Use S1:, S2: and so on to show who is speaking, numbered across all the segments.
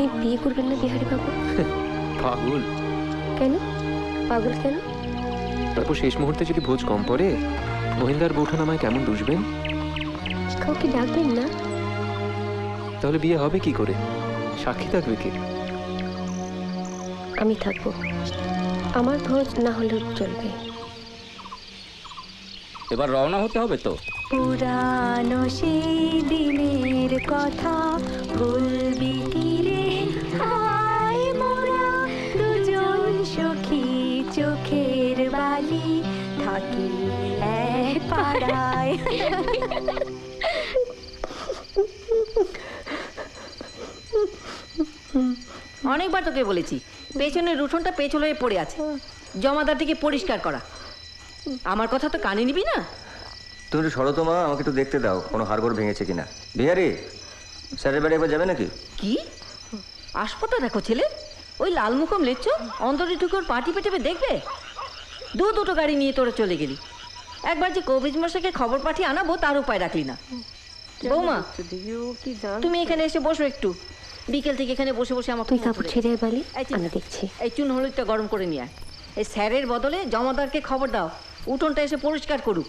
S1: বিয়ে করবেন না বিহারী বাবু?
S2: পাগল?
S1: কেন পাগল কেন?
S2: তারপর শেষ মুহূর্তে যদি ভোজ কম পড়ে মহিন্দার বউঠান আমায় কেমন দুষবেন?
S1: কাউকে ডাকবেন না?
S2: তাহলে বিয়ে হবে কি করে? সাক্ষী থাকবে কে?
S1: আমি থাকবো, আমার ভোজ না হলেও চলবে।
S3: এবার রওনা হতে হবে তো।
S4: পুরানো সেই দিনের কথা ভুলবি কি রে, হায় মোরা দুজন সখী চোখের বালি থাকি এক পাড়ায়।
S5: অনেকবার তোকে বলেছি পেছনের উঠোনটা পেছল হয়ে পড়ে আছে, জমাদারটিকে পরিষ্কার করা। আমার কথা তো কানে নিবি না?
S6: তুমি একটু সরো তো মা, আমাকে একটু দেখতে দাও কোনো হাড়গোড় ভেঙেছে কিনা। বিহারি, স্যারের বাড়ি একবার যাবে নাকি?
S5: কি আসপতা দেখো ছেলে, ওই লালমুখম লেচ্ছ অন্তরে ঢুকে ওর পাটি পেটেপে দেখবে? দুটো গাড়ি নিয়ে তোরা চলে গেলি, একবার যে কবিজ মশাইকে খবর পাঠিয়ে আনাবো তার উপায় রাখলি না। বৌমা তুমি এখানে এসে বসো একটু, বিকেল থেকে এখানে বসে বসে আমার
S1: তুই কাপড় ছেড়ে বালি, আমি দেখছি।
S5: এই চুন হলুদটা গরম করে নিয়ে আয়। এই স্যারের বদলে জমাদারকে খবর দাও উঠোনটা এসে পরিষ্কার করুক।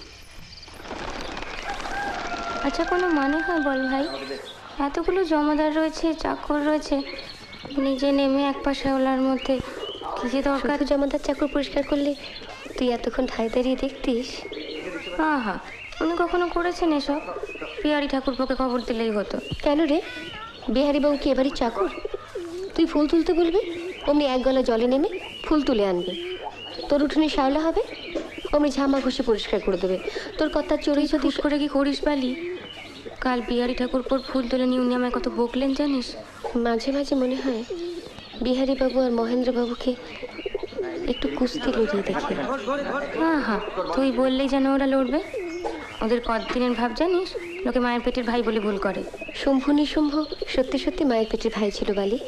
S4: আচ্ছা কোনো মানে হয় বল ভাই? এতগুলো জমাদার রয়েছে, চাকর রয়েছে, নিজে নেমে এক পাশে ওলার মধ্যে কি যে দরকার?
S1: জমাদার চাকর পরিষ্কার করলে তুই এতক্ষণ ঠাই দাঁড়িয়ে দেখতিস?
S4: আহা, উনি কখনো করেছেন এসব? বিহারী ঠাকুরপোকে খবর দিলেই হতো।
S1: কেন রে, বিহারী বাবু কি এবারই চাকর? তুই ফুল তুলতে বলবি, অমনি এক গলা জলে নেমে ফুল তুলে আনবে। তোর উঠোনে শ্যাওলা হবে, অমনি ঝামা ঘষে পরিষ্কার করে দেবে। তোর কথা চড়েই যদি
S4: হুট করে কি করিস বালি? কাল বিহারী ঠাকুরপোর ফুল তুলে নিয়ে উনি আমায় কত বকলেন জানিস?
S1: মাঝে মাঝে মনে হয় বিহারী বাবু আর মহেন্দ্র বাবুকে একটু কুস্তি লড়িয়ে দেখি।
S4: হ্যাঁ হ্যাঁ, তুই বললেই যেন ওরা লড়বে। ওদের কতদিনের ভাব জানিস? লোকে মায়ের পেটের ভাই বলে ভুল করে।
S1: শম্ভু নিশুম্ভ সত্যি সত্যি মায়ের পেটের ভাই ছিল বালি।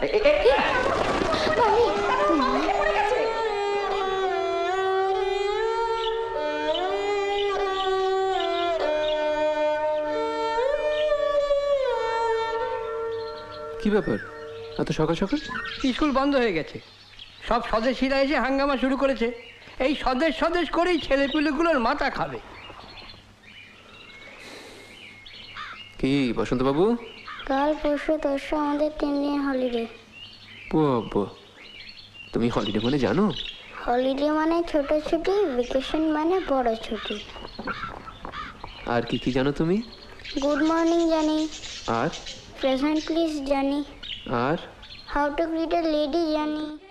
S2: কি ব্যাপার এত সকাল সকাল?
S7: স্কুল বন্ধ হয়ে গেছে, সব স্বদেশীরা এসে হাঙ্গামা শুরু করেছে। এই স্বদেশ স্বদেশ করেই ছেলেপুলেগুলোর মাথা খাবে।
S2: কি বসন্ত বাবু?
S8: কাল পরশু তরশু আমাদের 3 দিন হলিডে।
S2: বাবা, তুমি হলিডে মানে জানো?
S8: হলিডে মানে ছোট ছুটি, ভ্যাকেশন মানে বড় ছুটি।
S2: আর কি কি জানো তুমি?
S8: গুড মর্নিং জানি,
S2: আর
S8: প্রেজেন্ট প্লিজ জানি,
S2: আর
S8: how to greet a lady জানি।